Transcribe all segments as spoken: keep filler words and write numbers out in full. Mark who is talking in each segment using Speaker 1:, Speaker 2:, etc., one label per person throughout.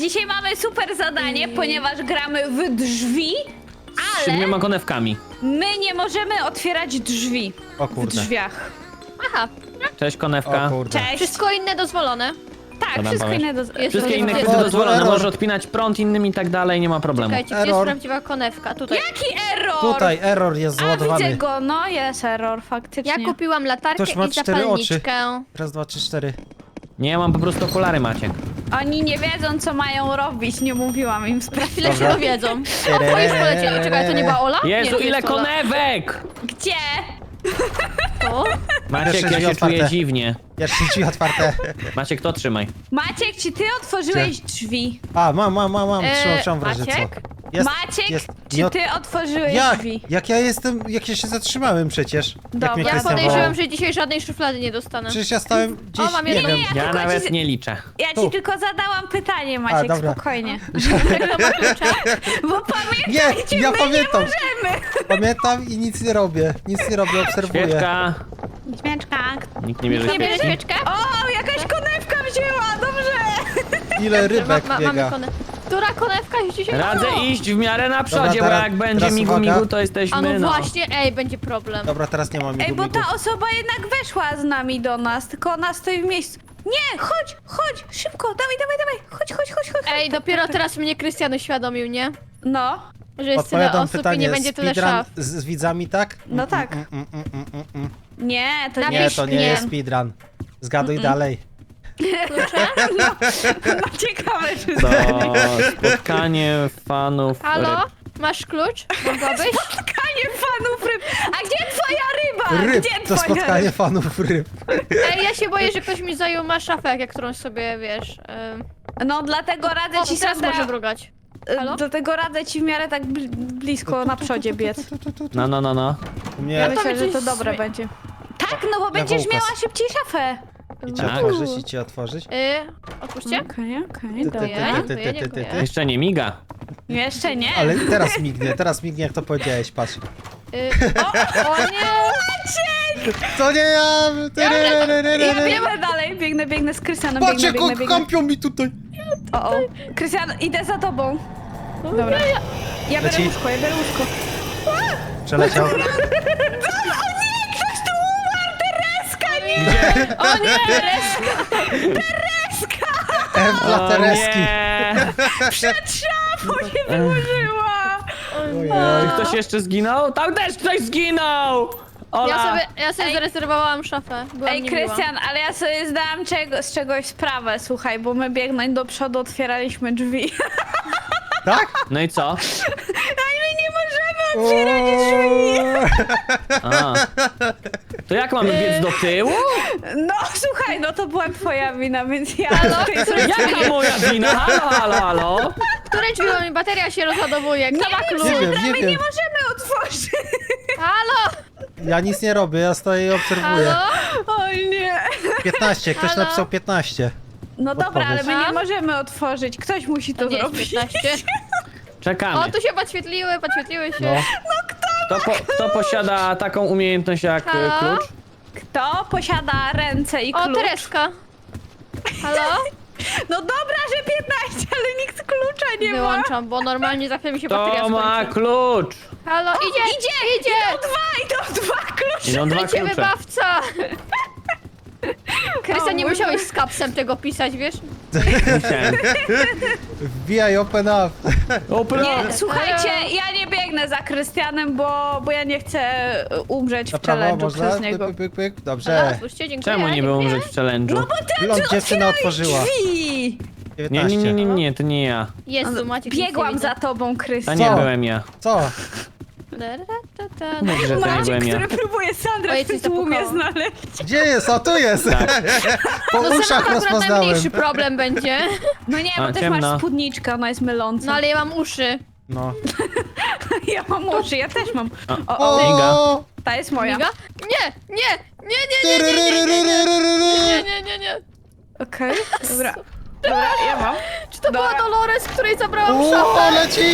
Speaker 1: dzisiaj mamy super zadanie, I... ponieważ gramy w drzwi,
Speaker 2: Z siedmioma konewkami.
Speaker 1: my nie możemy otwierać drzwi
Speaker 3: O
Speaker 1: w
Speaker 3: kurde.
Speaker 1: drzwiach.
Speaker 4: Aha,
Speaker 2: Cześć, konewka.
Speaker 3: O kurde.
Speaker 1: Cześć.
Speaker 4: wszystko inne dozwolone.
Speaker 1: Tak,
Speaker 2: Co tam
Speaker 1: wszystko
Speaker 2: powiesz?
Speaker 1: inne do...
Speaker 4: Jest
Speaker 2: Wszystkie inne
Speaker 4: Jest
Speaker 2: kwestie
Speaker 3: to
Speaker 2: dozwolone.
Speaker 3: error.
Speaker 2: Możesz odpinać prąd innym i tak dalej, nie ma problemu.
Speaker 4: Czekajcie, gdzie jest
Speaker 3: Error.
Speaker 4: prawdziwa konewka? Tutaj.
Speaker 1: Jaki error?
Speaker 3: Tutaj error jest
Speaker 1: A, widzę
Speaker 3: załadowany.
Speaker 1: go, no jest error, faktycznie.
Speaker 4: Ja kupiłam latarkę
Speaker 3: Ktoś ma
Speaker 4: i
Speaker 3: cztery
Speaker 4: zapalniczkę.
Speaker 3: Raz, dwa, trzy, cztery.
Speaker 2: Nie, ja mam po prostu okulary, Maciek.
Speaker 1: Oni nie wiedzą, co mają robić, nie mówiłam im sprawy.
Speaker 4: Chwilę się
Speaker 3: Dobra.
Speaker 4: dowiedzą. O, to już polecieli. Czekaj, to nie była Ola?
Speaker 2: Jezu,
Speaker 4: nie, to
Speaker 2: ile
Speaker 4: jest Ola.
Speaker 2: konewek!
Speaker 1: Gdzie?
Speaker 4: To?
Speaker 2: Maciek,
Speaker 3: Jeszcze
Speaker 2: ja
Speaker 3: drzwi
Speaker 2: się
Speaker 3: otwarte.
Speaker 2: czuję dziwnie.
Speaker 3: Jeszcze drzwi otwarte.
Speaker 2: Maciek, to trzymaj.
Speaker 1: Maciek, czy ty otworzyłeś drzwi?
Speaker 3: A, mam, mam, mam, mam. Trzymam,
Speaker 4: Eee,
Speaker 3: trzymam w razie co.
Speaker 4: Maciek?
Speaker 3: Jest,
Speaker 1: Maciek,
Speaker 3: jest.
Speaker 1: czy
Speaker 3: Nie od-
Speaker 1: ty otworzyłeś
Speaker 3: Jak?
Speaker 1: drzwi?
Speaker 3: Jak ja jestem, jak ja się zatrzymałem przecież.
Speaker 1: Dobra.
Speaker 3: Jak mnie
Speaker 1: Ja
Speaker 4: Ja
Speaker 3: Krystian
Speaker 4: podejrzewam,
Speaker 3: wołał.
Speaker 4: że dzisiaj żadnej szuflady nie dostanę.
Speaker 3: Przecież ja stałem gdzieś,
Speaker 4: O, mam
Speaker 3: nie
Speaker 4: jedną.
Speaker 3: wiem.
Speaker 1: Nie,
Speaker 2: Ja
Speaker 1: tylko
Speaker 2: nawet
Speaker 1: ci-
Speaker 2: nie liczę.
Speaker 1: Ja ci
Speaker 3: Tu.
Speaker 1: tylko zadałam pytanie, Maciek,
Speaker 3: dobra.
Speaker 1: spokojnie.
Speaker 4: Kto ma klucze?
Speaker 1: Bo pamiętajcie,
Speaker 3: Nie, ja
Speaker 1: my
Speaker 3: pamiętam.
Speaker 1: nie możemy.
Speaker 3: Pamiętam i nic nie robię. Nic nie robię, obserwuję.
Speaker 2: Świeczka.
Speaker 1: Śmieczka.
Speaker 2: Nikt nie bierze
Speaker 4: Nie bierze
Speaker 2: świeczki.
Speaker 4: świeczkę?
Speaker 1: O, jakaś konewka wzięła, dobrze.
Speaker 3: Ile rybek
Speaker 4: Ma, ma,
Speaker 3: biega.
Speaker 4: mamy konewkę. Która konewka jest dzisiaj?
Speaker 2: Radzę
Speaker 4: O!
Speaker 2: iść w miarę na przodzie, bo
Speaker 3: teraz-
Speaker 2: jak będzie
Speaker 3: teraz
Speaker 2: migu
Speaker 3: uwaga.
Speaker 2: migu, to
Speaker 4: A
Speaker 2: jesteśmy,
Speaker 4: no
Speaker 2: no.
Speaker 4: właśnie, ej, będzie problem.
Speaker 3: Dobra, teraz nie mam
Speaker 1: Ej,
Speaker 3: migu,
Speaker 1: bo
Speaker 3: migu.
Speaker 1: ta osoba jednak weszła z nami do nas, tylko ona stoi w miejscu. Nie, chodź, chodź, szybko, dawaj, dawaj, dawaj, chodź, chodź, chodź, chodź.
Speaker 4: Ej, dopiero teraz mnie Krystian uświadomił, nie?
Speaker 1: No,
Speaker 4: Że jest tyle
Speaker 3: Odpowiadam
Speaker 4: osób i
Speaker 3: pytanie,
Speaker 4: nie będzie tyle
Speaker 3: speedrun
Speaker 4: szaf.
Speaker 3: z, z widzami, tak?
Speaker 1: No tak.
Speaker 3: Mm, mm, mm, mm, mm, mm.
Speaker 1: nie, to
Speaker 4: Na
Speaker 1: nie
Speaker 3: Nie,
Speaker 1: jest
Speaker 3: to nie
Speaker 4: Nie.
Speaker 3: jest speedrun. Zgaduj dalej.
Speaker 1: no, ciekawe, czy
Speaker 2: To spotkanie fanów
Speaker 4: Halo?
Speaker 2: ryb.
Speaker 4: Masz klucz? Mogłabyś?
Speaker 1: spotkanie fanów ryb. A gdzie twoja ryba?
Speaker 3: Ryb,
Speaker 1: Gdzie
Speaker 3: to
Speaker 1: twoja
Speaker 3: spotkanie fanów ryb.
Speaker 4: Ej, ja się boję, że ktoś mi zajął ma szafę, jak którąś sobie, wiesz... ym,
Speaker 1: No, dlatego radzę
Speaker 4: O,
Speaker 1: ci,
Speaker 4: teraz
Speaker 1: Sandra,
Speaker 4: może brugać. Halo?
Speaker 1: dlatego radzę ci w miarę tak bl blisko na przodzie biec.
Speaker 2: No, no, no, no.
Speaker 3: U mnie
Speaker 1: Ja
Speaker 4: to
Speaker 1: myślę,
Speaker 4: mi
Speaker 1: że
Speaker 4: coś
Speaker 1: to dobre
Speaker 4: zmi-
Speaker 1: będzie. Tak, no bo
Speaker 3: Ja
Speaker 1: będziesz
Speaker 3: wąkas.
Speaker 1: miała szybciej szafę.
Speaker 3: i cię
Speaker 2: Tak.
Speaker 3: otworzyć, i cię otworzyć.
Speaker 4: Yy, otwórzcie.
Speaker 1: Okej, okej,
Speaker 3: Ty, ty,
Speaker 1: dobra.
Speaker 3: ty,
Speaker 4: Dziękuję,
Speaker 3: ty, ty, ty, ty,
Speaker 4: dziękuję.
Speaker 3: ty.
Speaker 2: Jeszcze nie miga.
Speaker 1: Jeszcze nie.
Speaker 3: Ale teraz mignie, teraz mignie, jak to powiedziałeś, patrz.
Speaker 4: Yy, o, o nie!
Speaker 3: To nie ja!
Speaker 1: Ja biegnę dalej, biegnę, biegnę z Krystianem,
Speaker 3: Patrz,
Speaker 1: biegnę,
Speaker 3: jak
Speaker 1: biegnę,
Speaker 3: on
Speaker 1: biegnę.
Speaker 3: kampią mi tutaj!
Speaker 1: O, o. Krystian, idę za tobą. Dobra. Ja biorę
Speaker 3: Leci.
Speaker 1: łóżko, ja biorę łóżko.
Speaker 3: Przeleciał.
Speaker 1: O nie, ktoś tu umarł, Tereska, nie!
Speaker 4: O nie! Tereska!
Speaker 3: F dla
Speaker 2: O
Speaker 3: Tereski.
Speaker 2: nie.
Speaker 1: Przed szafą się wyłożyła.
Speaker 3: Ojej.
Speaker 2: Czy ktoś jeszcze zginął? Tam też ktoś zginął! Ola!
Speaker 4: Ja sobie, ja sobie zarezerwowałam szafę. Byłam
Speaker 1: Ej,
Speaker 4: niemiła.
Speaker 1: Krystian, ale ja sobie zdałam czego, z czegoś sprawę, słuchaj, bo my biegnąć do przodu otwieraliśmy drzwi.
Speaker 3: Tak?
Speaker 2: No i co?
Speaker 1: A my nie możemy otwierać drzwi.
Speaker 2: A. To jak mamy biec do tyłu?
Speaker 1: No słuchaj, no to była twoja wina, więc ja...
Speaker 4: Halo?
Speaker 1: tutaj
Speaker 4: Które
Speaker 1: sobie-
Speaker 2: Jaka moja wina? Halo, halo, halo?
Speaker 4: Które drzwi, bo mi bateria się rozładowuje? Kto ma klucz?
Speaker 3: Nie wiem,
Speaker 1: My
Speaker 3: nie
Speaker 1: nie
Speaker 3: wiem.
Speaker 1: możemy otworzyć.
Speaker 4: Halo?
Speaker 3: Ja nic nie robię, ja stoję i obserwuję.
Speaker 4: Halo?
Speaker 1: Oj nie.
Speaker 3: piętnaście, ktoś
Speaker 4: Halo?
Speaker 3: napisał piętnaście.
Speaker 1: No dobra, ale my
Speaker 4: A?
Speaker 1: nie możemy otworzyć. Ktoś musi to
Speaker 4: Nie jest
Speaker 1: zrobić.
Speaker 4: piętnaście.
Speaker 2: Czekamy.
Speaker 4: O, tu się podświetliły, podświetliły się.
Speaker 3: No.
Speaker 2: Kto, po, kto posiada taką umiejętność jak y,
Speaker 4: Halo?
Speaker 2: klucz?
Speaker 1: Kto posiada ręce i
Speaker 4: O,
Speaker 1: klucz?
Speaker 4: Tereska. Halo?
Speaker 1: No dobra, że piętnaście, ale nikt klucza nie ma.
Speaker 4: Wyłączam, bo normalnie za chwilę mi się bateria
Speaker 2: Kto ma
Speaker 4: skończy.
Speaker 2: klucz?
Speaker 4: Halo, idzie,
Speaker 1: Idzie,
Speaker 4: idzie!
Speaker 1: Idą dwa, idą dwa klucze.
Speaker 2: Idą dwa
Speaker 4: Idzie
Speaker 2: klucze.
Speaker 4: wybawca! Krystian, nie
Speaker 1: O,
Speaker 4: musiałeś z kapsem tego pisać, wiesz?
Speaker 2: Musiałem.
Speaker 3: Wbijaj, open up.
Speaker 2: Open
Speaker 1: Nie,
Speaker 2: up.
Speaker 1: słuchajcie, ja nie biegnę za Krystianem, bo, bo ja nie chcę umrzeć
Speaker 3: Na
Speaker 1: w
Speaker 3: prawo
Speaker 1: challenge'u
Speaker 3: można?
Speaker 1: przez niego.
Speaker 3: Pyk, pyk, pyk.
Speaker 4: Halo,
Speaker 3: Dobrze.
Speaker 4: otwórzcie, dziękuję.
Speaker 2: Czemu nie było
Speaker 4: dziękuję.
Speaker 2: umrzeć w challenge'u?
Speaker 1: No bo ty
Speaker 3: Blond dziewczyna
Speaker 1: otwieraj
Speaker 3: otworzyła.
Speaker 1: drzwi.
Speaker 2: Nie,
Speaker 3: dziewiętnaście.
Speaker 2: nie, nie, nie, nie, to nie ja.
Speaker 4: Jezu, Maciek, nic nie
Speaker 1: Biegłam
Speaker 4: widzę.
Speaker 1: za tobą,
Speaker 2: To
Speaker 1: Krystian.
Speaker 2: nie
Speaker 3: Co?
Speaker 2: byłem ja.
Speaker 3: Co?
Speaker 2: Mów, że to nie
Speaker 1: Maciek,
Speaker 2: byłem ja.
Speaker 1: który próbuje Sandrę
Speaker 4: Oj,
Speaker 1: w
Speaker 4: coś
Speaker 1: tym tłumie
Speaker 4: zapukało.
Speaker 1: znaleźć.
Speaker 3: Gdzie jest? O, tu jest! Po
Speaker 4: No ze mną
Speaker 3: uszach
Speaker 4: akurat
Speaker 3: rozpoznałem.
Speaker 4: najmniejszy problem będzie.
Speaker 1: No nie, bo
Speaker 2: A,
Speaker 1: też
Speaker 2: ciemno.
Speaker 1: masz spódniczkę, ona jest myląca.
Speaker 4: No ale ja mam uszy.
Speaker 3: No.
Speaker 1: Ja mam uszy, ja też mam. O, o,
Speaker 3: O!
Speaker 1: ta jest moja.
Speaker 4: Miga? Nie, nie, nie, nie, nie, nie, nie, nie, nie, nie, nie, nie, nie.
Speaker 1: Okej, dobra. Dobra, ja mam.
Speaker 4: Czy to
Speaker 1: Dobra.
Speaker 4: była Dolores, której zabrałam
Speaker 3: O,
Speaker 4: szafę?
Speaker 3: leci!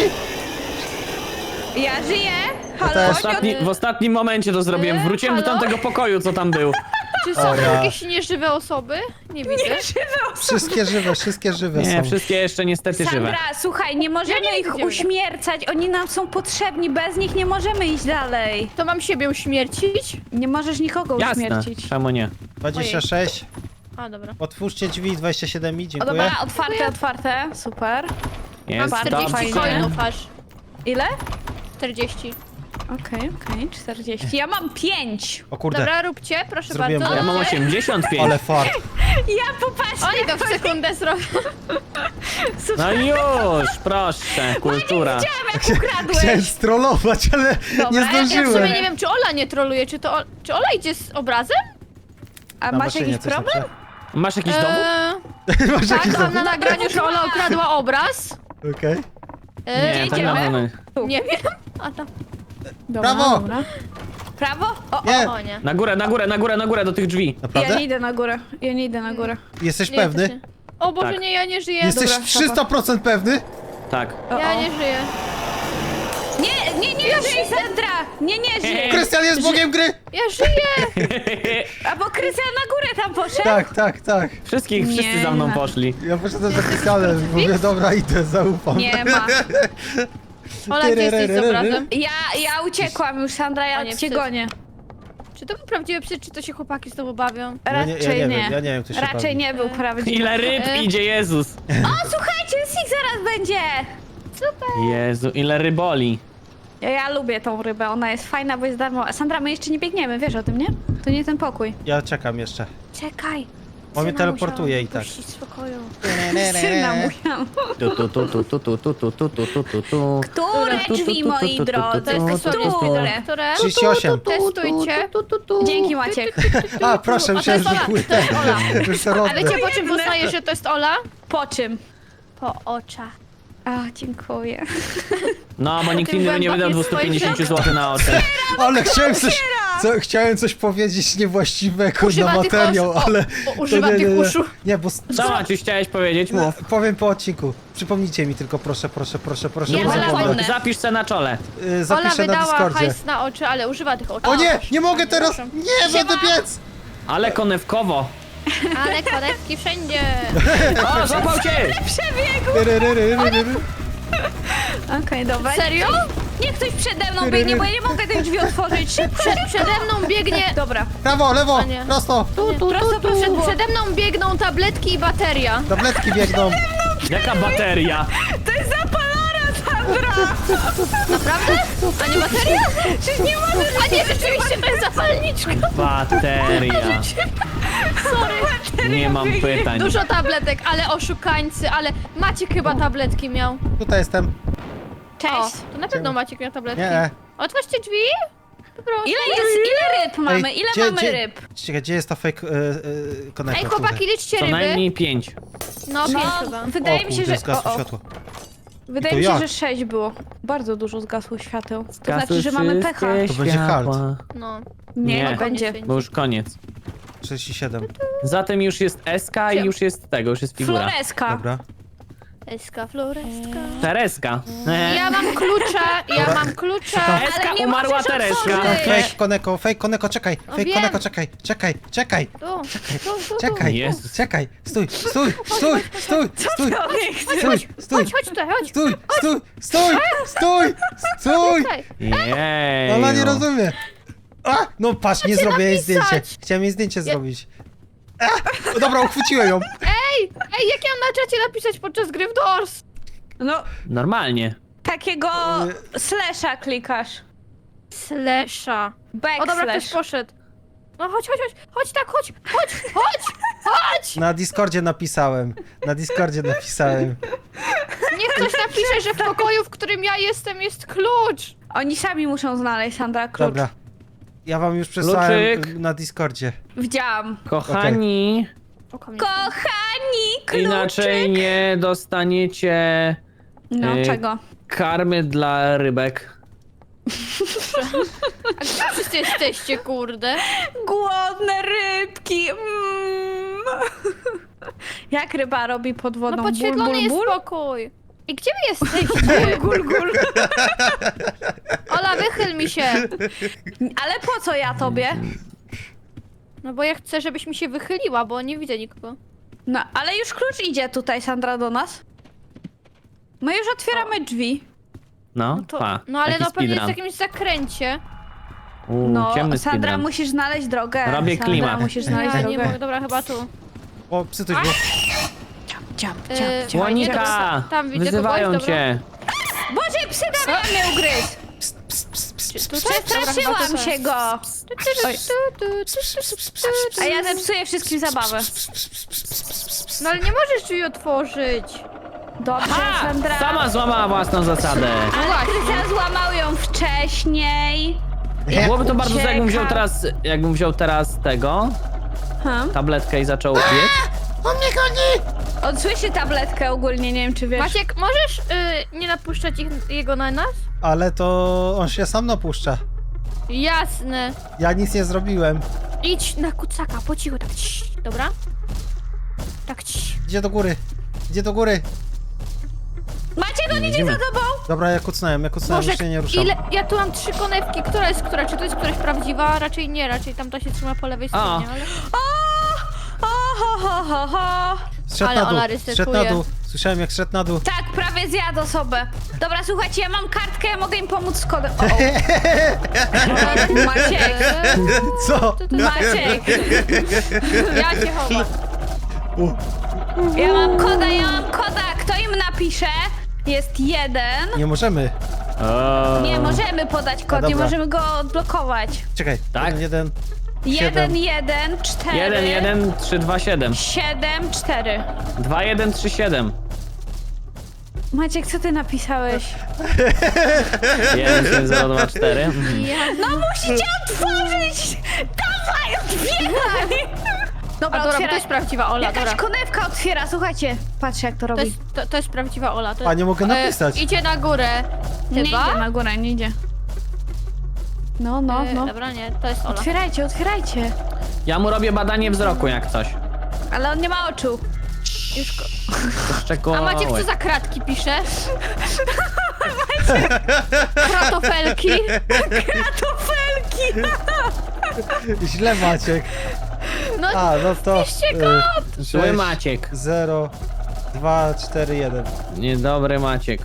Speaker 1: Ja żyję. Halo,
Speaker 3: też.
Speaker 2: W, ostatni, w ostatnim momencie to zrobiłem. Wróciłem do
Speaker 4: Halo?
Speaker 2: tamtego pokoju, co tam był.
Speaker 4: Czy są
Speaker 3: O ja.
Speaker 4: jakieś nieżywe osoby? Nie widzę.
Speaker 3: Wszystkie żywe, wszystkie żywe
Speaker 2: Nie,
Speaker 3: są.
Speaker 2: wszystkie jeszcze niestety żywe.
Speaker 1: Sandra, słuchaj, nie możemy
Speaker 4: Ja nie
Speaker 1: ich
Speaker 4: widzę.
Speaker 1: uśmiercać, oni nam są potrzebni, bez nich nie możemy iść dalej.
Speaker 4: To mam siebie uśmiercić?
Speaker 1: Nie możesz nikogo
Speaker 2: Jasne,
Speaker 1: uśmiercić.
Speaker 2: czemu nie?
Speaker 3: dwadzieścia sześć.
Speaker 4: A, dobra.
Speaker 3: Otwórzcie drzwi, dwadzieścia siedem mi,
Speaker 1: O
Speaker 3: dziękuję.
Speaker 1: dobra, otwarte, otwarte, super.
Speaker 2: Jest
Speaker 4: Mam czterdzieści
Speaker 1: fajnie.
Speaker 2: dobrze.
Speaker 4: coinów aż.
Speaker 1: Ile?
Speaker 4: czterdzieści.
Speaker 1: Okej, okej, czterdzieści. Ja mam pięć.
Speaker 3: O kurde,
Speaker 4: Dobra, róbcie, proszę
Speaker 3: Zrobiłem
Speaker 4: bardzo.
Speaker 2: Ja mam osiemdziesiąt pięć.
Speaker 3: ale fart.
Speaker 1: Ja popatrzę.
Speaker 4: Oni to w sekundę zrobią.
Speaker 2: No już, proszę, kultura.
Speaker 1: Widziałam, jak
Speaker 3: Chciałem
Speaker 1: ukradłeś.
Speaker 3: strollować, ale
Speaker 1: Dobra,
Speaker 3: nie
Speaker 1: ja w sumie
Speaker 4: Ja w sumie
Speaker 3: zdążyłem.
Speaker 4: nie wiem, czy Ola nie troluje, czy to Ola, czy Ola idzie z obrazem?
Speaker 1: A
Speaker 3: Na
Speaker 1: masz
Speaker 3: maszynie
Speaker 1: jakiś
Speaker 3: coś
Speaker 1: problem?
Speaker 3: napiszę.
Speaker 2: Masz jakiś dowód?
Speaker 4: Eee,
Speaker 3: Masz
Speaker 4: tak,
Speaker 3: jakiś
Speaker 4: mam
Speaker 3: dowód?
Speaker 4: na nagraniu, że Ola ukradła obraz.
Speaker 3: Okej.
Speaker 4: Eee,
Speaker 2: Nie, to
Speaker 1: idziemy?
Speaker 2: na pewno.
Speaker 4: nie wiem. A tam.
Speaker 1: Dobra,
Speaker 3: Brawo!
Speaker 1: dobra. Prawo? O, o.
Speaker 3: Nie,
Speaker 4: O nie.
Speaker 2: Na górę, na górę, na górę, na górę do tych drzwi.
Speaker 1: Ja
Speaker 3: naprawdę?
Speaker 1: nie idę na górę, ja nie idę na górę.
Speaker 3: Jesteś
Speaker 4: Nie
Speaker 3: pewny?
Speaker 4: jesteście. O Boże,
Speaker 2: Tak.
Speaker 4: nie, ja nie żyję.
Speaker 3: Jesteś
Speaker 1: Dobra,
Speaker 3: trzysta procent pewny?
Speaker 2: Tak.
Speaker 1: O,
Speaker 4: Ja
Speaker 1: o.
Speaker 4: nie żyję.
Speaker 1: Nie, nie, nie, żyj, Sandra! Nie, nie, żyj!
Speaker 3: Krystian jest bogiem gry!
Speaker 4: Ja żyję!
Speaker 1: A bo Krystian na górę tam poszedł?
Speaker 3: Tak, tak, tak.
Speaker 2: Wszystkich,
Speaker 1: Nie
Speaker 2: wszyscy za mną
Speaker 1: ma.
Speaker 2: poszli.
Speaker 3: Ja poszedłem za Krystianem, mówię, dobra, idę, zaufam.
Speaker 1: Nie ma.
Speaker 4: Ola, gdzie jesteś z obrazem?
Speaker 1: Ja, ja uciekłam już, Sandra,
Speaker 4: O
Speaker 1: ja
Speaker 4: nie,
Speaker 1: cię
Speaker 4: psy.
Speaker 1: gonię.
Speaker 4: Czy to był prawdziwy psy, czy to się chłopaki znowu bawią?
Speaker 3: Ja nie- ja
Speaker 1: Raczej
Speaker 3: nie
Speaker 1: nie.
Speaker 3: wiem, ja nie wiem, kto się
Speaker 1: Raczej
Speaker 3: bawi.
Speaker 1: nie był prawdziwy.
Speaker 2: Ile ryb
Speaker 4: E.
Speaker 2: idzie, Jezus.
Speaker 1: O, słuchajcie, Sik zaraz będzie!
Speaker 4: Super!
Speaker 2: Jezu, ile ryboli.
Speaker 1: Ja, ja lubię tą rybę, ona jest fajna, bo jest darmowa. Sandra, my jeszcze nie biegniemy, wiesz o tym, nie? To nie ten pokój.
Speaker 3: Ja czekam jeszcze.
Speaker 1: Czekaj.
Speaker 3: On mnie
Speaker 1: Syna
Speaker 3: teleportuje
Speaker 1: musiałam
Speaker 3: i tak.
Speaker 1: puścić z pokoju. Syna musiałam.
Speaker 2: Tu, tu, tu, tu, tu, tu, tu, tu, tu, tu, tu, tu, tu.
Speaker 1: Które
Speaker 2: Tu, tu,
Speaker 1: drzwi,
Speaker 2: tu, tu,
Speaker 1: moi
Speaker 2: tu, tu,
Speaker 1: drodzy?
Speaker 2: tu,
Speaker 4: To jest
Speaker 2: tu,
Speaker 4: dosłownie
Speaker 2: tu, tu.
Speaker 4: speedrun, które...
Speaker 3: trzydzieści osiem.
Speaker 4: Testujcie.
Speaker 1: Dzięki, Maciek.
Speaker 3: A, proszę,
Speaker 4: O, to
Speaker 3: myślałem,
Speaker 4: jest
Speaker 3: że
Speaker 4: Ola,
Speaker 3: były
Speaker 4: to jest
Speaker 3: te.
Speaker 4: Ola.
Speaker 3: Już te
Speaker 4: A
Speaker 3: rodne.
Speaker 4: wiecie, po czym poznajesz, że to jest Ola?
Speaker 1: Po czym?
Speaker 4: Po oczach.
Speaker 1: A, dziękuję.
Speaker 2: No, bo nikt
Speaker 4: Tym
Speaker 2: inny nie wydał
Speaker 4: głębokim
Speaker 2: dwieście pięćdziesiąt
Speaker 4: spojrzeniem.
Speaker 2: złotych na oczy.
Speaker 3: Ale chciałem coś, co, chciałem coś powiedzieć niewłaściwego
Speaker 4: Używa
Speaker 3: na
Speaker 4: tych
Speaker 3: materiał,
Speaker 4: oszu- o,
Speaker 3: ale...
Speaker 4: o,
Speaker 3: to
Speaker 4: używa
Speaker 3: nie, nie,
Speaker 4: tych
Speaker 3: nie.
Speaker 4: uszu.
Speaker 3: Nie, bo... s-
Speaker 2: Co, Maciuś, chciałeś powiedzieć? Mów.
Speaker 3: Powiem po odcinku. Przypomnijcie mi tylko, proszę, proszę, proszę, proszę.
Speaker 1: Ja
Speaker 3: bo
Speaker 1: wolę
Speaker 3: zapomnę.
Speaker 1: wolne.
Speaker 2: Zapisz se na czole.
Speaker 3: Y,
Speaker 4: Ola
Speaker 3: Zapiszę na
Speaker 4: wydała
Speaker 3: Discordzie.
Speaker 4: hajs na oczy, ale używa tych oczu.
Speaker 3: O nie, nie mogę teraz!
Speaker 4: przepraszam.
Speaker 3: Nie, będę biec!
Speaker 2: Ale konewkowo.
Speaker 4: Ale konewki wszędzie.
Speaker 2: O, złapał cię!
Speaker 1: Przebiegł! Okej, dobra.
Speaker 4: Serio?
Speaker 1: Niech ktoś przede mną biegnie, bo ja nie mogę tych drzwi otworzyć. Szybko,
Speaker 4: Prze
Speaker 1: szybko.
Speaker 4: przede mną biegnie...
Speaker 1: Dobra.
Speaker 3: Prawo, lewo,
Speaker 4: A nie.
Speaker 3: prosto!
Speaker 4: Tu, tu,
Speaker 1: Prosto,
Speaker 4: tu, tu.
Speaker 1: proszę,
Speaker 4: Przed, przede mną biegną tabletki i bateria.
Speaker 3: Tabletki biegną.
Speaker 2: Jaka bateria?
Speaker 1: To jest zapalona, Sandra!
Speaker 4: Naprawdę? A nie bateria?
Speaker 1: Przecież nie możesz...
Speaker 4: A nie, rzeczywiście to jest zapalniczka.
Speaker 2: Bateria.
Speaker 1: Sorry.
Speaker 2: Nie mam pytań.
Speaker 4: Dużo tabletek, ale oszukańcy, ale Maciek chyba tabletki miał.
Speaker 3: Tutaj jestem.
Speaker 4: O,
Speaker 1: Cześć.
Speaker 4: to na pewno Maciek miał tabletki.
Speaker 3: Nie.
Speaker 4: Otwórzcie drzwi. Po prostu.
Speaker 1: Ile jest, ile ryb mamy?
Speaker 3: Ej,
Speaker 1: Ile
Speaker 3: gdzie-
Speaker 1: mamy
Speaker 3: gdzie-
Speaker 1: ryb?
Speaker 3: Czekaj, gdzie jest ta fake y, y, konektor?
Speaker 4: Ej, chłopaki, liczcie
Speaker 2: Co
Speaker 4: ryby.
Speaker 2: najmniej pięć.
Speaker 4: No,
Speaker 1: No,
Speaker 4: pięć chyba.
Speaker 1: wydaje
Speaker 3: o,
Speaker 1: mi się,
Speaker 3: kurde,
Speaker 1: że...
Speaker 3: zgasło
Speaker 1: o, o.
Speaker 3: światło.
Speaker 1: Wydaje
Speaker 3: I
Speaker 1: mi
Speaker 3: to
Speaker 1: się,
Speaker 3: jak?
Speaker 1: że sześć było. Bardzo dużo zgasło świateł. To
Speaker 2: Zgasły
Speaker 1: znaczy, że mamy pecha.
Speaker 2: wszystkie
Speaker 3: To będzie halt.
Speaker 2: światła.
Speaker 4: No.
Speaker 1: Nie,
Speaker 2: Nie.
Speaker 1: nie będzie.
Speaker 2: Bo już koniec.
Speaker 3: trzydzieści siedem.
Speaker 2: Zatem już jest S K i już jest tego, już jest figura.
Speaker 1: Floreska.
Speaker 3: Dobra.
Speaker 4: Eska, floreska.
Speaker 2: Tereska. E,
Speaker 4: Ja mam klucza, ja mam klucza.
Speaker 2: Eska,
Speaker 1: Ale nie
Speaker 2: umarła
Speaker 1: możesz
Speaker 2: Tereska.
Speaker 1: otworzyć.
Speaker 3: Fake koneko, fake koneko, czekaj.
Speaker 4: No
Speaker 3: Fake
Speaker 4: wiem.
Speaker 3: koneko, czekaj. Czekaj, czekaj.
Speaker 4: Tu, tu, tu, tu.
Speaker 3: Czekaj,
Speaker 2: Jezus.
Speaker 3: czekaj. Stój, stój, stój, stój, stój,
Speaker 1: Człowiek,
Speaker 3: stój, stój,
Speaker 4: Chodź, chodź tutaj, chodź.
Speaker 3: stój, stój, stój, stój, stój.
Speaker 4: Tutaj.
Speaker 2: Jej.
Speaker 3: Ona nie rozumie. A, no patrz, nie zrobię jej
Speaker 4: napisać.
Speaker 3: zdjęcie. Chciałem jej zdjęcie zrobić. A, o, dobra, uchwyciłem ją.
Speaker 4: Ej, ej, jak ja mam na czacie napisać podczas gry w Doors?
Speaker 1: No,
Speaker 2: Normalnie.
Speaker 1: takiego slasha klikasz.
Speaker 4: Slasha. O dobra, ktoś
Speaker 1: Backslash.
Speaker 4: poszedł. No chodź, chodź, chodź, chodź tak, chodź, chodź, chodź, chodź!
Speaker 3: Na Discordzie napisałem. Na Discordzie napisałem.
Speaker 4: Niech ktoś napisze, że w pokoju, w którym ja jestem, jest klucz.
Speaker 1: Oni sami muszą znaleźć, Sandra, klucz.
Speaker 3: Dobra. Ja wam już przesłałem
Speaker 2: Kluczyk.
Speaker 3: na Discordzie.
Speaker 1: Widziałam.
Speaker 2: Kochani,
Speaker 4: Oko mnie.
Speaker 1: Kochani, kluczyk!
Speaker 2: inaczej nie dostaniecie
Speaker 1: No,
Speaker 2: y,
Speaker 1: czego?
Speaker 2: karmy dla rybek.
Speaker 4: A gdzie wszyscy jesteście, kurde?
Speaker 1: Głodne rybki. Mm. Jak ryba robi pod wodą?
Speaker 4: No
Speaker 1: Ból,
Speaker 4: podświetlony
Speaker 1: ból,
Speaker 4: jest
Speaker 1: ból?
Speaker 4: pokój. I gdzie wy jesteście?
Speaker 1: Gul, gul.
Speaker 4: Ola, wychyl mi się.
Speaker 1: Ale po co ja tobie?
Speaker 4: No bo ja chcę, żebyś mi się wychyliła, bo nie widzę nikogo.
Speaker 1: No, ale już klucz idzie tutaj, Sandra, do nas. My już otwieramy drzwi.
Speaker 2: No,
Speaker 4: To,
Speaker 2: pa.
Speaker 4: no ale
Speaker 2: Taki
Speaker 4: no pewnie jest w
Speaker 2: speedrun.
Speaker 4: jakimś zakręcie.
Speaker 2: Uuu,
Speaker 1: No,
Speaker 2: ciemny
Speaker 1: Sandra,
Speaker 2: speedrun.
Speaker 1: musisz znaleźć drogę.
Speaker 2: Robię
Speaker 1: Sandra,
Speaker 2: klimat.
Speaker 1: musisz znaleźć
Speaker 4: Ja nie
Speaker 1: drogę.
Speaker 4: mogę, dobra, chyba tu.
Speaker 3: O, psy coś było.
Speaker 1: Ciap, ciap,
Speaker 4: Yy,
Speaker 1: ciap, ciap.
Speaker 2: Łonika!
Speaker 4: Tam widzę
Speaker 2: Wyzywają
Speaker 4: kogoś, dobra.
Speaker 2: cię!
Speaker 1: Boże, psy Damian mnie ugryzł! Przestraszyłam się go! Oj. A ja zepsuję wszystkim zabawę.
Speaker 4: No ale nie możesz drzwi otworzyć.
Speaker 1: Dobrze,
Speaker 2: Ha!
Speaker 1: Sandra.
Speaker 2: Sama złamała własną zasadę.
Speaker 4: No
Speaker 1: Ale Krystian złamał ją wcześniej.
Speaker 2: Byłoby to bardzo złe, jakbym wziął
Speaker 1: Ucieka.
Speaker 2: teraz, jakbym wziął teraz tego,
Speaker 1: Hmm?
Speaker 2: tabletkę i zaczął biec.
Speaker 3: On mnie goni!
Speaker 1: On słyszy tabletkę ogólnie, nie wiem czy wiesz.
Speaker 4: Maciek, możesz y, nie napuszczać ich, jego na nas?
Speaker 3: Ale to on się sam napuszcza.
Speaker 4: Jasne.
Speaker 3: Ja nic nie zrobiłem.
Speaker 4: Idź na kucaka, po cichu, tak cii, dobra? Tak cii.
Speaker 3: Idzie do góry. Idzie do góry.
Speaker 1: Maciek, on idzie
Speaker 2: Widzimy.
Speaker 1: za tobą!
Speaker 3: Dobra, ja kucnąłem, ja kucnąłem,
Speaker 4: Boże,
Speaker 3: już się nie ruszam.
Speaker 4: ile... Ja tu mam trzy konewki, która jest która? Czy to jest któraś prawdziwa? Raczej nie, raczej tamta się trzyma po lewej stronie, ale...
Speaker 1: O, ho, ho, ho, ho.
Speaker 3: Zszedł
Speaker 4: Ale
Speaker 3: na dół,
Speaker 4: Ola
Speaker 3: zszedł na
Speaker 4: ryzykuje.
Speaker 3: dół. Słyszałem jak szedł na dół.
Speaker 1: Tak, prawie zjadł osobę. Dobra, słuchajcie, ja mam kartkę, ja mogę im pomóc z kodem. O, o. Maciek,
Speaker 3: Co?
Speaker 1: Maciek,
Speaker 4: Ja się chowam.
Speaker 3: U,
Speaker 1: ja mam koda, ja mam koda. Kto im napisze? Jest jeden.
Speaker 3: nie możemy.
Speaker 2: O.
Speaker 1: Nie możemy podać kod,
Speaker 3: A,
Speaker 1: nie
Speaker 3: dobra.
Speaker 1: możemy go odblokować.
Speaker 3: Czekaj,
Speaker 2: Tak?
Speaker 3: jeden, jeden.
Speaker 1: Jeden, jeden, cztery.
Speaker 2: jeden jeden trzy dwa siedem.
Speaker 1: Siedem, cztery.
Speaker 2: dwa jeden trzy siedem.
Speaker 1: Maciek, co ty napisałeś?
Speaker 2: jeden siedem zero dwa cztery.
Speaker 4: Ja...
Speaker 1: No musicie otworzyć! Dawaj, otwieraj! Dobra,
Speaker 4: A dobra, bo to
Speaker 1: otwieraj.
Speaker 4: jest prawdziwa Ola,
Speaker 1: Jakaś
Speaker 4: dobra.
Speaker 1: konewka otwiera, słuchajcie. Patrzcie jak to
Speaker 4: To
Speaker 1: robi.
Speaker 4: jest, to, to jest prawdziwa Ola. To
Speaker 3: A, nie mogę napisać.
Speaker 4: E, idzie na górę.
Speaker 1: Nie
Speaker 4: Chyba?
Speaker 1: idzie na górę, nie idzie. No, no,
Speaker 4: E,
Speaker 1: no.
Speaker 4: Dobra, nie, to jest Ola.
Speaker 1: Otwierajcie, otwierajcie.
Speaker 2: Ja mu robię badanie wzroku jak coś.
Speaker 1: Ale on nie ma oczu.
Speaker 4: Już go...
Speaker 2: To
Speaker 4: A
Speaker 2: szczegółowe.
Speaker 4: Maciek co za kratki pisze? Kratofelki.
Speaker 1: Kratofelki!
Speaker 3: Źle Maciek.
Speaker 4: No,
Speaker 3: A, no to...
Speaker 4: Piszcie kod!
Speaker 2: Zły Maciek.
Speaker 3: zero, dwa, cztery, jeden.
Speaker 2: Niedobry Maciek.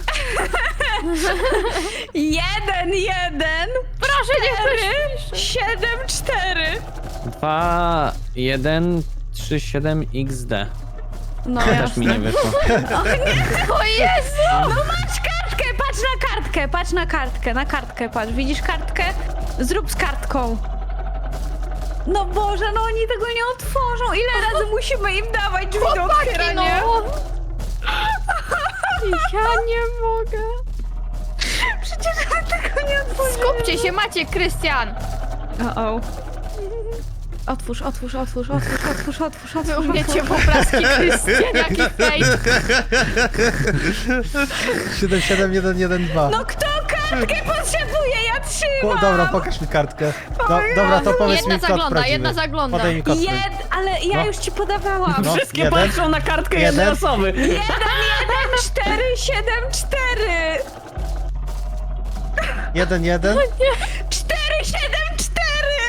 Speaker 1: Jeden, jeden.
Speaker 4: proszę, niech ktoś
Speaker 1: Cztery,
Speaker 4: pisze.
Speaker 1: siedem, cztery.
Speaker 2: dwa jeden trzy siedem X D.
Speaker 1: No
Speaker 2: To też
Speaker 1: jasne.
Speaker 2: mi nie wyszło.
Speaker 4: O Jezu!
Speaker 1: No masz kartkę, patrz na kartkę, patrz na kartkę, na kartkę patrz. Widzisz kartkę? Zrób z kartką. No Boże, no oni tego nie otworzą. Ile razy musimy im dawać drzwi do
Speaker 4: Chłopaki, no!
Speaker 1: otwierania?
Speaker 4: Ja nie mogę.
Speaker 1: Przecież my tego nie otworzymy.
Speaker 4: Skupcie się, Maciek, Krystian.
Speaker 1: O, o. Otwórz, otwórz, otwórz, otwórz, otwórz, otwórz,
Speaker 4: Wy
Speaker 1: otwórz,
Speaker 4: umiecie
Speaker 1: otwórz.
Speaker 4: poplaski, Krystian, jaki fake.
Speaker 3: siedem, siedem, jeden, jeden, dwa.
Speaker 1: No kto kartkę potrzebuje? Ja
Speaker 3: Po,
Speaker 1: trzymam.
Speaker 3: dobra, pokaż mi kartkę. Do, dobra, to powiedz
Speaker 4: Jedna
Speaker 3: mi kod
Speaker 4: zagląda,
Speaker 3: prawdziwy.
Speaker 4: jedna zagląda.
Speaker 3: Podaj mi kod
Speaker 1: Jed,
Speaker 3: prawdziwy.
Speaker 1: ale ja
Speaker 3: No.
Speaker 1: już ci podawałam.
Speaker 3: No.
Speaker 2: Wszystkie
Speaker 3: jeden.
Speaker 2: patrzą na kartkę jednej
Speaker 3: Jeden.
Speaker 2: osoby.
Speaker 1: Jeden, jeden, cztery, siedem, cztery.
Speaker 3: Jeden, jeden.
Speaker 1: Cztery, siedem, cztery.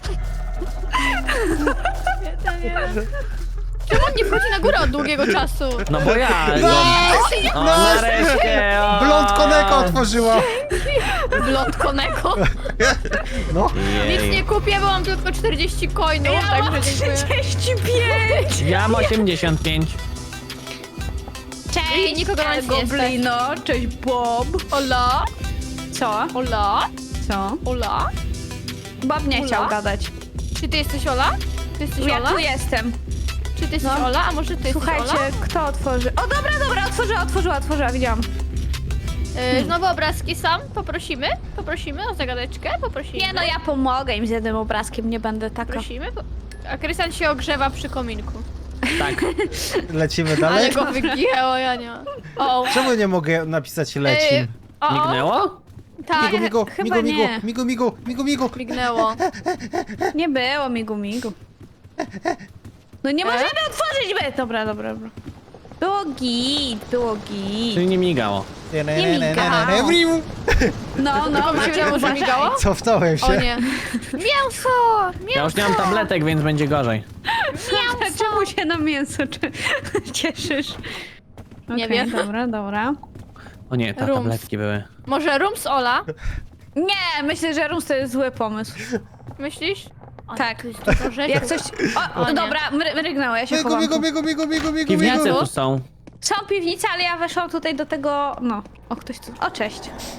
Speaker 4: Czemu on nie wchodzi na górę od długiego czasu?
Speaker 2: No bo ja.
Speaker 3: No!
Speaker 2: No, o,
Speaker 3: No!
Speaker 2: nareszcie. O.
Speaker 3: Blond Koneko otworzyła.
Speaker 4: Blond Koneko.
Speaker 3: No.
Speaker 4: Nic
Speaker 2: Jej.
Speaker 4: nie kupię, bo mam tylko czterdzieści coinów,
Speaker 1: Ja mam
Speaker 4: także dziękuję.
Speaker 1: trzydzieści pięć.
Speaker 2: Ja mam osiemdziesiąt pięć.
Speaker 1: Cześć,
Speaker 4: I nikogo na nic nie
Speaker 1: Goblino. Cześć, Bob.
Speaker 4: Ola,
Speaker 1: Co?
Speaker 4: Ola,
Speaker 1: Co?
Speaker 4: Ola.
Speaker 1: Bob nie
Speaker 4: Ula?
Speaker 1: chciał gadać.
Speaker 4: Czy ty jesteś Ola? Ty jesteś
Speaker 1: Ja
Speaker 4: Ola?
Speaker 1: tu jestem.
Speaker 4: Czy ty jesteś
Speaker 1: No.
Speaker 4: Ola? A może ty
Speaker 1: Słuchajcie,
Speaker 4: jesteś Ola?
Speaker 1: kto otworzy? O, dobra, dobra, otworzyła, otworzyła, otworzyła, widziałam.
Speaker 4: Yy, znowu obrazki sam? Poprosimy? Poprosimy o zagadeczkę? Poprosimy?
Speaker 1: Nie no, ja pomogę im z jednym obrazkiem, nie będę taka.
Speaker 4: Prosimy? Po- A Krystian się ogrzewa przy kominku.
Speaker 2: Tak.
Speaker 3: Lecimy
Speaker 4: Ale
Speaker 3: dalej.
Speaker 4: go wygięło, ja nie. O,
Speaker 3: Czemu nie mogę napisać lecim?
Speaker 4: Yy, o, o,
Speaker 2: Mignęło?
Speaker 4: tak,
Speaker 3: Migu, migu,
Speaker 1: chyba
Speaker 3: migu, migu,
Speaker 1: nie.
Speaker 3: migu, migu, migu, migu.
Speaker 4: mignęło.
Speaker 1: Nie było migu migu. No nie
Speaker 4: E?
Speaker 1: możemy otworzyć my! Dobra, dobra, dobra. Było git, było git.
Speaker 2: Czyli nie migało.
Speaker 1: Nie migało. No, no,
Speaker 4: Wam się
Speaker 1: Maciek,
Speaker 4: wydało, że
Speaker 1: uważaj.
Speaker 4: migało?
Speaker 3: Cofnąłem się.
Speaker 4: O nie. Mięso! Mięso!
Speaker 2: Ja już nie mam tabletek, więc będzie gorzej.
Speaker 1: Czemu się na mięso czy... cieszysz?
Speaker 4: Nie
Speaker 1: Okej,
Speaker 4: wiem.
Speaker 1: Dobra, dobra.
Speaker 2: O nie, te
Speaker 4: Rums.
Speaker 2: tabletki były.
Speaker 4: Może rum z Ola?
Speaker 1: Nie, myślę, że Rums to jest zły pomysł.
Speaker 4: Myślisz? O,
Speaker 1: Tak.
Speaker 4: tu jest dużo rzeczy.
Speaker 1: Jak coś... O,
Speaker 4: O
Speaker 1: o
Speaker 4: nie.
Speaker 1: dobra, mry- mrygnęło, ja się
Speaker 3: Biegu,
Speaker 1: chowam
Speaker 3: biegu,
Speaker 1: tu.
Speaker 3: biegu, biegu, biegu, biegu,
Speaker 2: Piwnice
Speaker 3: biegu.
Speaker 2: tu są.
Speaker 1: Są piwnice, ale ja weszłam tutaj do tego... No, o ktoś tu... O, cześć.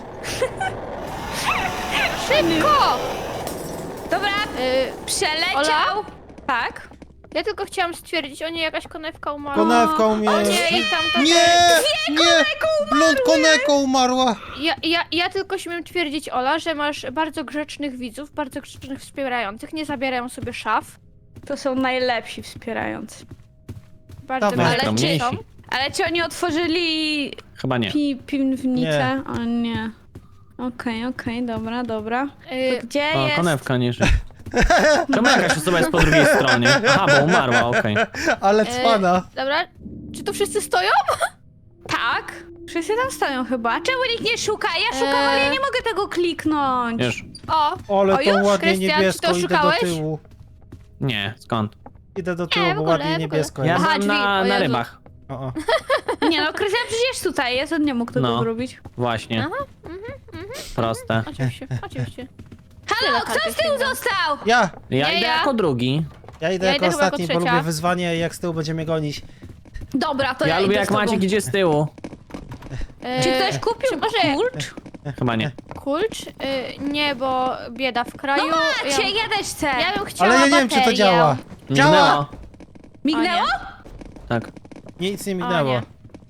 Speaker 4: Szybko!
Speaker 1: Dobra,
Speaker 4: Y,
Speaker 1: przeleciał.
Speaker 4: Ola?
Speaker 1: Tak.
Speaker 4: ja tylko chciałam stwierdzić, o nie, jakaś konewka umarła.
Speaker 3: Konewką mnie.
Speaker 4: O nie, i tam to
Speaker 3: Nie, nie, blond koneko umarła.
Speaker 4: Ja, ja, ja tylko śmiem twierdzić, Ola, że masz bardzo grzecznych widzów, bardzo grzecznych wspierających, nie zabierają sobie szaf.
Speaker 1: To są najlepsi wspierający.
Speaker 4: Bardzo
Speaker 3: Dobra.
Speaker 4: grzeczni
Speaker 2: Najskromniejsi.
Speaker 4: są.
Speaker 1: Ale czy oni otworzyli
Speaker 2: Chyba nie.
Speaker 1: pi piwnicę? O nie. Okej, okej, dobra, dobra.
Speaker 4: Y,
Speaker 1: To gdzie
Speaker 2: O,
Speaker 1: jest?
Speaker 2: konewka nie żyje. Czemu jakaś osoba jest po drugiej stronie? Aha, bo umarła, okej.
Speaker 3: Ale
Speaker 4: y,
Speaker 3: cwana.
Speaker 4: Dobra, czy tu wszyscy stoją?
Speaker 1: Tak. Wszyscy tam stoją chyba. Czemu nikt nie szuka? Ja szukam,
Speaker 4: Eee.
Speaker 1: ale ja nie mogę tego kliknąć.
Speaker 2: Już.
Speaker 4: O,
Speaker 3: Ale
Speaker 1: O,
Speaker 3: to
Speaker 1: już?
Speaker 3: ładnie
Speaker 4: Krystian, czy
Speaker 3: niebiesko,
Speaker 4: to
Speaker 3: idę do
Speaker 4: szukałeś?
Speaker 3: tyłu.
Speaker 2: Nie, skąd?
Speaker 3: Idę do
Speaker 4: Nie,
Speaker 3: tyłu,
Speaker 4: w
Speaker 3: bo
Speaker 4: ogóle,
Speaker 3: ładnie
Speaker 4: w ogóle.
Speaker 3: niebiesko
Speaker 2: Ja
Speaker 3: jest.
Speaker 4: Aha,
Speaker 2: byłem
Speaker 4: drzwi,
Speaker 2: na,
Speaker 4: o
Speaker 2: na
Speaker 4: Jezu.
Speaker 2: rybach.
Speaker 3: O, o.
Speaker 1: Nie no, Krystian przecież tutaj jest, on nie mógł tego
Speaker 2: No.
Speaker 1: zrobić.
Speaker 2: Właśnie.
Speaker 4: Aha,
Speaker 2: Proste.
Speaker 4: oczywiście, oczywiście.
Speaker 1: Halo,
Speaker 4: Tyle
Speaker 1: kto z tyłu
Speaker 4: kartek
Speaker 1: został?
Speaker 3: Ja,
Speaker 2: Ja
Speaker 4: Nie
Speaker 2: idę
Speaker 4: ja.
Speaker 2: jako drugi.
Speaker 3: ja idę
Speaker 4: Ja
Speaker 3: jako
Speaker 4: idę chyba jako
Speaker 3: ostatni, bo
Speaker 4: trzecia.
Speaker 3: lubię wyzwanie i jak z tyłu będzie mnie gonić.
Speaker 1: Dobra, to ja,
Speaker 2: Ja lubię
Speaker 1: idę
Speaker 2: jak
Speaker 1: z tobą.
Speaker 2: Maciek idzie z tyłu.
Speaker 4: E,
Speaker 1: Czy ktoś kupił
Speaker 4: czy może
Speaker 1: kurcz?
Speaker 2: Chyba nie.
Speaker 4: Kulcz? Y, nie, bo bieda w kraju.
Speaker 1: No macie,
Speaker 4: ja,
Speaker 1: ja też chcę.
Speaker 4: ja bym chciała
Speaker 3: Ale ja nie wiem, czy to
Speaker 4: baterię.
Speaker 3: działa. Działa!
Speaker 2: Mignęło.
Speaker 1: Mignęło?
Speaker 2: Tak.
Speaker 3: Nic nie
Speaker 4: O
Speaker 3: mignęło.
Speaker 4: nie.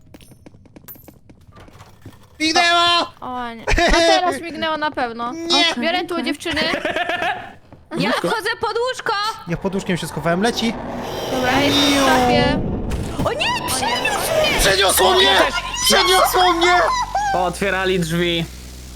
Speaker 3: Mignęło!
Speaker 4: O nie. A teraz mignęło na pewno.
Speaker 3: Nie.
Speaker 4: O, biorę tu
Speaker 1: Okej.
Speaker 4: dziewczyny.
Speaker 1: Ja wchodzę pod łóżko.
Speaker 3: Ja pod łóżkiem się schowałem, leci.
Speaker 4: Dobra, jest w szafie.
Speaker 1: O nie, przeniósł mnie!
Speaker 3: Przeniosło mnie! Przeniosło mnie!
Speaker 2: Otwierali drzwi.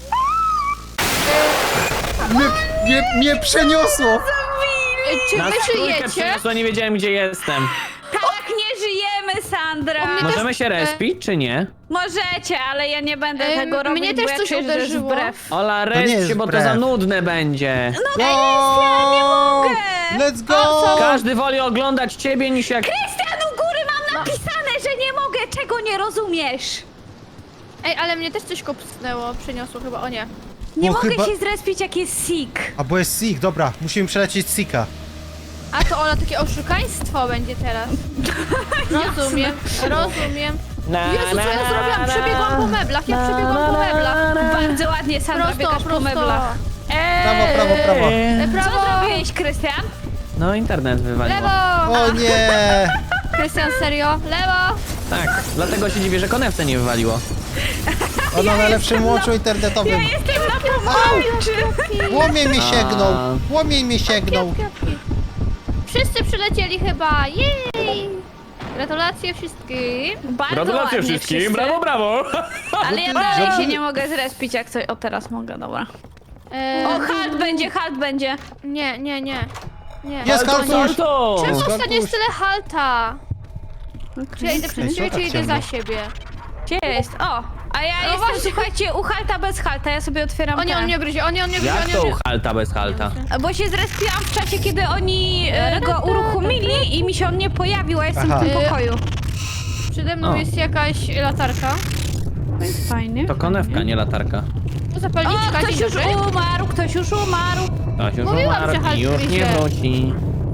Speaker 3: Mnie, mnie, mnie przeniosło!
Speaker 4: Y, Czy
Speaker 2: Nas
Speaker 4: wy
Speaker 2: w trójkę
Speaker 4: żyjecie?
Speaker 2: przeniosło, nie wiedziałem gdzie jestem.
Speaker 1: Tak, nie żyjemy, Sandra.
Speaker 4: U mnie też-
Speaker 2: Możemy się respić, czy nie?
Speaker 1: Możecie, ale ja nie będę
Speaker 4: Ym,
Speaker 1: tego robić,
Speaker 4: mnie
Speaker 1: bo
Speaker 4: też
Speaker 1: ja
Speaker 4: coś
Speaker 1: czuję, że to jest
Speaker 4: uderzyło.
Speaker 1: wbrew.
Speaker 2: Ola,
Speaker 3: nie
Speaker 2: resp
Speaker 3: jest
Speaker 2: się, bo to
Speaker 3: wbrew.
Speaker 2: za nudne będzie.
Speaker 3: Go!
Speaker 1: nie mogę!
Speaker 3: Let's go!
Speaker 4: co?
Speaker 2: Każdy woli oglądać ciebie niż jak...
Speaker 1: Krystian, u góry mam napisane, że nie mogę, czego nie rozumiesz.
Speaker 4: Ej, ale mnie też coś kopsnęło, przyniosło chyba, o nie.
Speaker 1: Nie
Speaker 3: Bo
Speaker 1: mogę
Speaker 3: chyba-
Speaker 1: się zrespić, jak jest sick.
Speaker 3: A bo jest Sik, dobra, musimy przelecieć Sika.
Speaker 4: A to Ola, takie oszukaństwo będzie teraz. Rozumiem, rozumiem.
Speaker 2: Na,
Speaker 4: Jezu, co ja zrobiłam? Przebiegłam po meblach, ja przebiegłam po meblach.
Speaker 1: Bardzo ładnie, Sandra,
Speaker 4: Prosto,
Speaker 1: biegasz po
Speaker 4: prosto.
Speaker 1: meblach.
Speaker 3: Prawo, prawo, prawo.
Speaker 4: E,
Speaker 1: Co
Speaker 4: Prawo,
Speaker 1: zrobiłeś, Krystian?
Speaker 2: No, internet wywaliło.
Speaker 4: lewo.
Speaker 3: O nie!
Speaker 4: Krystian, serio? Lewo.
Speaker 2: Tak, dlatego się dziwię, że konewce nie wywaliło.
Speaker 3: Ona na lepszym łączu internetowym.
Speaker 1: Ja jestem na pomarańczy.
Speaker 3: Łomiej mnie
Speaker 2: A.
Speaker 3: sięgnął! Łomiej mnie sięgnął!
Speaker 4: Kiepki. Wszyscy przylecieli chyba, jej! Gratulacje wszystkim.
Speaker 1: Bardzo
Speaker 2: Gratulacje
Speaker 1: ładnie
Speaker 2: wszystkim,
Speaker 1: wszyscy.
Speaker 2: brawo, brawo!
Speaker 1: Ale ja dalej się nie mogę zrespić, jak coś... O, teraz mogę, dobra.
Speaker 4: E,
Speaker 1: O, halt będzie, halt będzie.
Speaker 4: Nie, nie, nie. Nie.
Speaker 3: Jest
Speaker 4: O,
Speaker 3: Haltuś!
Speaker 4: nie.
Speaker 2: Salto!
Speaker 4: Czemu
Speaker 3: Haltuś.
Speaker 4: ostatnio jest tyle halta? Czy ja idę przed
Speaker 3: Ej,
Speaker 4: siebie,
Speaker 3: co
Speaker 4: czy
Speaker 3: tak
Speaker 4: idę za
Speaker 3: ciemno?
Speaker 4: siebie?
Speaker 1: Gdzie jest? O, a ja
Speaker 4: No
Speaker 1: jestem,
Speaker 4: właśnie.
Speaker 1: słuchajcie, u halta bez halta, ja sobie otwieram
Speaker 4: O nie,
Speaker 1: te.
Speaker 4: on mnie gryzie, o nie, on mnie gryzie,
Speaker 2: Jak
Speaker 4: on mnie
Speaker 2: to u
Speaker 4: gryzie.
Speaker 2: halta bez halta?
Speaker 1: Bo się zrespiłam w czasie, kiedy oni e, go uruchomili i mi się on nie pojawił, a jestem
Speaker 3: Aha.
Speaker 1: w tym pokoju.
Speaker 4: Przede mną
Speaker 2: O.
Speaker 4: jest jakaś latarka.
Speaker 1: To jest fajnie.
Speaker 2: To konewka, nie latarka.
Speaker 4: O,
Speaker 1: O,
Speaker 4: zapalniczka,
Speaker 1: ktoś
Speaker 4: dzień
Speaker 1: już
Speaker 4: dobry.
Speaker 1: umarł, ktoś już umarł.
Speaker 2: To się
Speaker 4: Mówiłam,
Speaker 2: umarł
Speaker 4: że halt
Speaker 2: i już nie
Speaker 4: gryzie.
Speaker 2: wróci.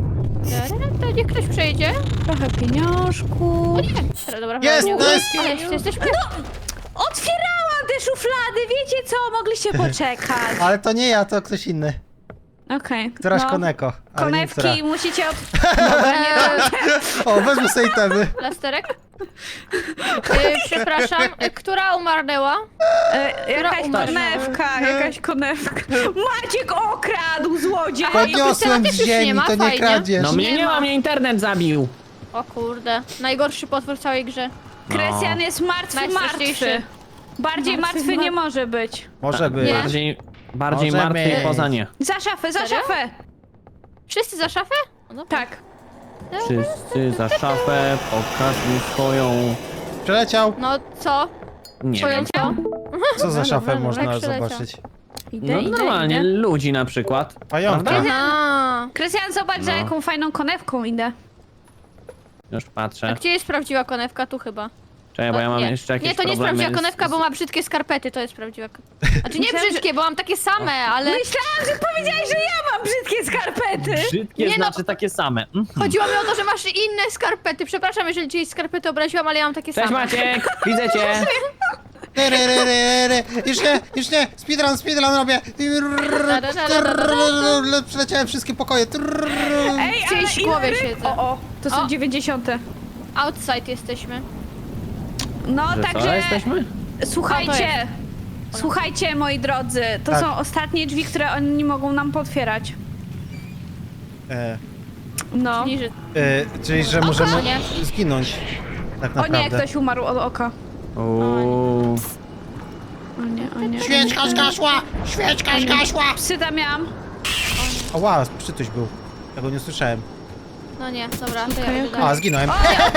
Speaker 4: To niech ktoś przejdzie.
Speaker 1: Trochę pieniążku.
Speaker 4: O nie. Dobra, dobra,
Speaker 3: Jest,
Speaker 4: dobra,
Speaker 3: to jest-
Speaker 4: Ale jest, jesteśmy...
Speaker 1: Otwierałam te szuflady, wiecie co? Mogliście poczekać.
Speaker 3: Ale to nie ja, to ktoś inny.
Speaker 1: Okej.
Speaker 3: Któraś
Speaker 1: no.
Speaker 3: koneko. Ale nie która.
Speaker 1: Konewki musicie od... Dobra, nie to...
Speaker 3: O, wezmę sobie temy.
Speaker 4: Plasterek? Y, przepraszam, y, która umarnęła?
Speaker 1: E, jakaś
Speaker 4: umarła?
Speaker 1: konewka, jakaś konewka. Maciek okradł, złodziej!
Speaker 3: Podniosłem
Speaker 4: też
Speaker 3: z
Speaker 4: już nie
Speaker 3: ziemi,
Speaker 4: ma,
Speaker 3: to nie
Speaker 4: fajnie.
Speaker 3: kradzież.
Speaker 2: No mnie
Speaker 4: Nie
Speaker 2: nie
Speaker 4: ma.
Speaker 2: ma, mnie internet zabił.
Speaker 4: O kurde, najgorszy potwór w całej grze.
Speaker 1: Krystian jest martwy,
Speaker 4: Najstraszniejszy.
Speaker 1: martwy. Bardziej
Speaker 4: Martwy,
Speaker 1: martwy nie
Speaker 4: mar-
Speaker 1: może być.
Speaker 3: Może być.
Speaker 4: Nie.
Speaker 2: Bardziej, bardziej
Speaker 3: Może
Speaker 2: martwy
Speaker 3: być.
Speaker 2: poza nie.
Speaker 1: Za szafę, za
Speaker 4: Serio?
Speaker 1: szafę!
Speaker 4: Wszyscy za szafę? O, dobra.
Speaker 1: Tak.
Speaker 2: Wszyscy za szafę, pokaż mi swoją
Speaker 3: przeleciał.
Speaker 4: No co?
Speaker 2: Nie wiem.
Speaker 4: Poleciał?
Speaker 3: Co za
Speaker 4: Dobra,
Speaker 3: szafę
Speaker 4: dobra,
Speaker 3: można
Speaker 4: tak przeleciał.
Speaker 3: zobaczyć?
Speaker 1: Idę,
Speaker 2: No
Speaker 1: idę,
Speaker 2: normalnie,
Speaker 1: idę.
Speaker 2: ludzi na przykład.
Speaker 3: Pająka.
Speaker 2: Prawda?
Speaker 4: Aha.
Speaker 1: Krystian, zobacz, za
Speaker 2: No.
Speaker 1: jaką fajną konewką idę.
Speaker 2: Już
Speaker 4: A
Speaker 2: patrzę.
Speaker 4: gdzie jest prawdziwa konewka? Tu chyba.
Speaker 2: Czekaj, bo ja mam
Speaker 4: nie.
Speaker 2: jeszcze jakieś
Speaker 4: Nie, to nie jest
Speaker 2: problemy
Speaker 4: prawdziwa
Speaker 2: z-
Speaker 4: konewka, bo ma brzydkie skarpety, to jest prawdziwa konewka. Znaczy nie
Speaker 1: Myślałam,
Speaker 4: brzydkie, bo mam takie same, ale
Speaker 1: Myślałam, że powiedziałeś, że ja mam brzydkie skarpety.
Speaker 2: Brzydkie
Speaker 4: Nie no.
Speaker 2: znaczy takie same. Mhm.
Speaker 4: chodziło mi o to, że masz inne skarpety. Przepraszam, jeżeli czyjeś skarpety obraziłam, ale ja mam takie
Speaker 2: Cześć
Speaker 4: same.
Speaker 2: Maciek, widzę cię.
Speaker 3: Re, re, re, re, re. Już nie, już nie, speedrun, speedrun robię. Przeleciałem wszystkie pokoje.
Speaker 1: Ej,
Speaker 4: W czyjejś
Speaker 1: ale
Speaker 4: głowie
Speaker 1: ile ryb-
Speaker 4: siedzę.
Speaker 1: O, o, to są
Speaker 4: O.
Speaker 1: dziewięćdziesiąte.
Speaker 4: Outside jesteśmy.
Speaker 1: No,
Speaker 2: Że co,
Speaker 1: także
Speaker 2: jesteśmy?
Speaker 4: A, to
Speaker 1: słuchajcie, słuchajcie moi drodzy, to
Speaker 3: Tak.
Speaker 1: są ostatnie drzwi, które oni nie mogą nam potwierać.
Speaker 3: E,
Speaker 1: No.
Speaker 4: Czyli, że...
Speaker 3: e, czyli, że możemy
Speaker 4: nie.
Speaker 3: zginąć. Tak
Speaker 1: O nie,
Speaker 3: naprawdę.
Speaker 1: ktoś umarł od oka.
Speaker 2: Uuu.
Speaker 1: O nie, o nie.
Speaker 3: Świeczka zgasła! Świeczka zgasła!
Speaker 1: Psy tam miałam.
Speaker 3: Ała, przytuś był. Ja go nie słyszałem.
Speaker 4: No nie, dobra, to ja
Speaker 1: Okej,
Speaker 4: idę
Speaker 1: okej.
Speaker 3: A,
Speaker 4: dalej.
Speaker 3: zginąłem.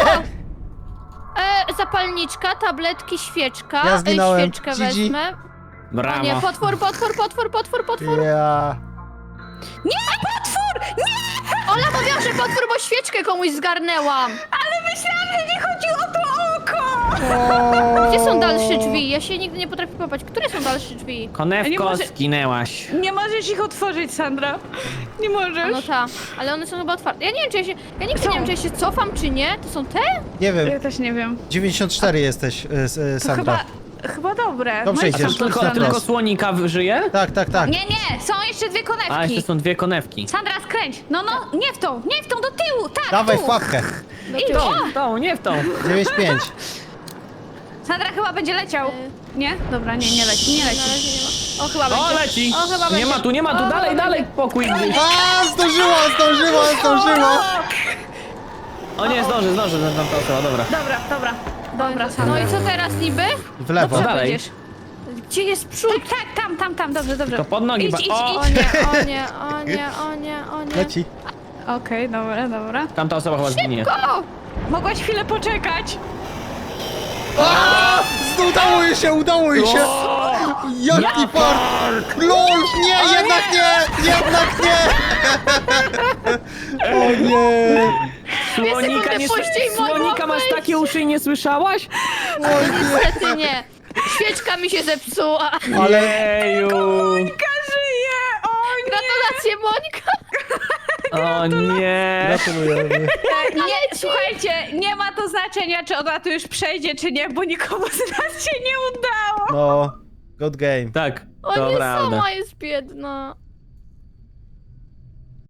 Speaker 4: E, zapalniczka, tabletki, świeczka.
Speaker 3: Ja zginąłem.
Speaker 4: E, świeczkę
Speaker 3: G G.
Speaker 4: wezmę. O nie,
Speaker 2: Brawo.
Speaker 4: potwór, potwór, potwór, potwór, potwór.
Speaker 3: Ja...
Speaker 1: Nie, potwór! Nie!
Speaker 4: Ola mówiła, że potwór, bo świeczkę komuś zgarnęłam.
Speaker 1: Ale myślałam, że nie chodziło o to oko!
Speaker 4: Gdzie są dalsze drzwi? Ja się nigdy nie potrafię popaść. Które są dalsze drzwi?
Speaker 1: Nie
Speaker 2: Konewko,
Speaker 1: może-
Speaker 2: zginęłaś.
Speaker 1: Nie możesz ich otworzyć, Sandra. Nie
Speaker 4: A
Speaker 1: możesz.
Speaker 4: no ta, ale one są chyba otwarte. Ja nie wiem, czy ja się. Ja nigdy
Speaker 1: Są.
Speaker 4: nie wiem, czy ja się cofam, czy nie. To są te?
Speaker 3: Nie wiem,
Speaker 1: Ja też nie wiem.
Speaker 3: dziewięćdziesiąt cztery jesteś, e, s- e,
Speaker 1: To
Speaker 3: Sandra.
Speaker 1: chyba, chyba dobre.
Speaker 3: Dobrze
Speaker 1: no i
Speaker 2: A
Speaker 3: idziesz.
Speaker 2: tam
Speaker 1: co,
Speaker 2: tylko,
Speaker 3: na
Speaker 2: tylko
Speaker 3: wprost.
Speaker 2: słonika żyje?
Speaker 3: Tak, tak, tak.
Speaker 1: Nie, nie, są jeszcze dwie konewki.
Speaker 2: A jeszcze są dwie konewki.
Speaker 1: Sandra, skręć. No, no, nie w tą, nie w tą, do tyłu, tak,
Speaker 3: Dawaj
Speaker 1: tu.
Speaker 3: w łapkę.
Speaker 1: Idź.
Speaker 2: W tą, nie w tą.
Speaker 3: dziewięć pięć.
Speaker 1: Sandra chyba będzie leciał.
Speaker 4: Y.
Speaker 1: Nie? Dobra, nie, nie leci, nie
Speaker 4: Na
Speaker 1: leci.
Speaker 4: razie nie ma. O, chyba
Speaker 2: O,
Speaker 4: będzie.
Speaker 2: leci!
Speaker 4: O, chyba
Speaker 2: Nie
Speaker 4: będzie.
Speaker 2: ma tu, nie ma tu,
Speaker 4: O,
Speaker 2: dalej,
Speaker 4: chyba
Speaker 2: dalej,
Speaker 4: będzie.
Speaker 2: pokój gdzieś.
Speaker 3: A, zdążyło, zdążyło, zdążyło.
Speaker 2: O nie, zdąży, zdąży, tam ta osoba, dobra.
Speaker 1: Dobra, dobra, dobra, Sandra.
Speaker 4: No i co teraz niby?
Speaker 3: W lewo.
Speaker 2: Dobrze. dalej.
Speaker 1: Będziesz.
Speaker 4: Gdzie jest przód?
Speaker 1: Tak, tak, tam, tam, tam, dobrze, dobrze.
Speaker 2: To pod nogi,
Speaker 1: Idź,
Speaker 2: ba-
Speaker 1: idź,
Speaker 2: o!
Speaker 4: O
Speaker 1: idź.
Speaker 4: nie, o nie, o nie, o nie, o nie.
Speaker 3: Leci.
Speaker 1: Okej, dobra, dobra.
Speaker 2: Tamta osoba chyba zginie.
Speaker 4: O!
Speaker 1: Mogłaś chwilę poczekać.
Speaker 3: A, udało jej się, udało jej się. Jaki fart. LOL, nie, jednak nie, jednak nie. O nie.
Speaker 2: Słonika,
Speaker 4: sekundy
Speaker 2: nie,
Speaker 4: później mogłam
Speaker 2: słonika masz
Speaker 4: wejść.
Speaker 2: takie uszy i nie słyszałaś?
Speaker 4: Niestety nie. Świeczka mi się zepsuła.
Speaker 3: Ale
Speaker 2: Jeju.
Speaker 1: Żyje! O nie!
Speaker 4: Gratulacje, Monika.
Speaker 2: O nie.
Speaker 3: gratulujemy.
Speaker 1: Nie, słuchajcie, nie ma to znaczenia, czy ona tu już przejdzie, czy nie, bo nikomu z nas się nie udało.
Speaker 3: No, good game.
Speaker 2: Tak,
Speaker 4: O
Speaker 2: to
Speaker 4: nie,
Speaker 2: prawda.
Speaker 4: sama jest biedna.